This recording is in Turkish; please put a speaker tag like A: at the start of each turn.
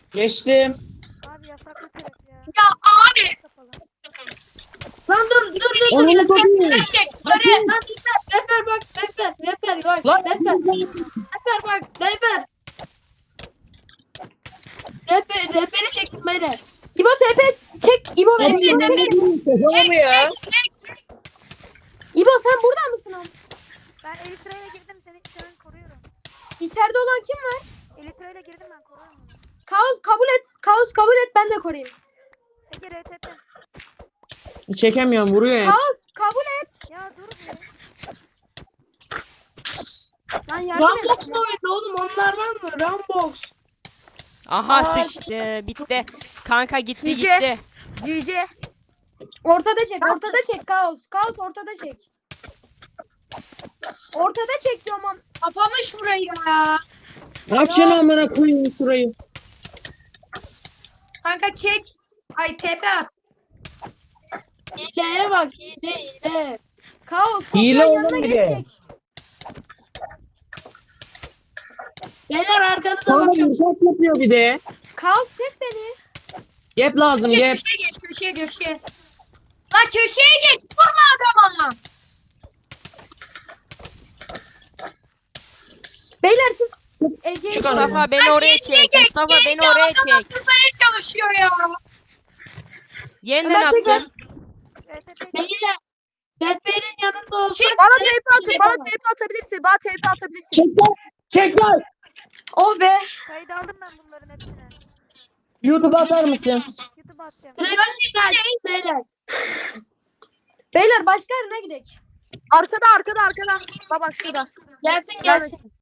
A: Geçtim.
B: Abi yasaklı trap ya.
C: Ya abi.
B: Kapalı.
C: Lan dur.
A: Onu satayım.
C: Lan Reper bak. Reper bak.
A: Lan
C: Reper bak. Reperi çektim beyler. İbo TP çek. İbo
A: Abi
C: beni
A: ne
C: çek.
A: diyorsun mu ya?
C: İbo sen burada mısın abi?
B: Ben Elytra'ya girdim seni şu an koruyorum.
C: İçeride olan kim var?
B: Elytra'ya girdim ben koruyorum onu.
C: Kaos kabul et ben de koruyayım.
B: Ege RTP.
A: Çekemiyorum vuruyor ya.
C: Kaos kabul et.
B: Ya dur be.
C: Lan yardım et.
D: Rambox da oyunda oğlum, onlar var mı? Rambox.
E: Aha sıçtı. Bitti. Kanka gitti
C: Nice.
E: gitti.
C: GG. Ortada çek Kaos. Kaos ortada çek. Ortada çek diyorum ama.
D: Kapamış burayı ya.
A: Açın amına koyayım şurayı.
D: Kanka çek. Ay tepe at. Hileye bak, hile.
C: Kaos
A: Hile
C: toprağın
A: oğlum
C: yanına
A: bir
C: geç
A: de.
C: çek.
D: Beyler arkanıza
A: Sonra
D: bakın.
A: yumuşak yapıyor bir de.
C: Kaos çek beni.
A: Gap lazım gap.
D: Köşeye. Lan köşeye geç. Vurma adama.
C: Beyler siz Ege'yi
A: Çık
C: koruyun.
E: Mustafa beni oraya çek. Mustafa beni oraya çek.
D: Vurmaya çalışıyor ya.
E: Yeniden
C: Ömer Teker.
E: attım.
B: RTP.
D: Beyler. Reperin yanında olsak.
C: Bana TP atın. Bana TP atabilirsin. Bana TP atabilirsin.
A: Çek lan. Çek lan.
C: Oh be.
B: Kayıt aldım ben bunların hepsini.
A: YouTube'a atar mısın?
B: YouTube'a atacağım.
D: Beyler.
C: Beyler başka yerine gidelim. Arkada. Bak şurada.
D: Gelsin.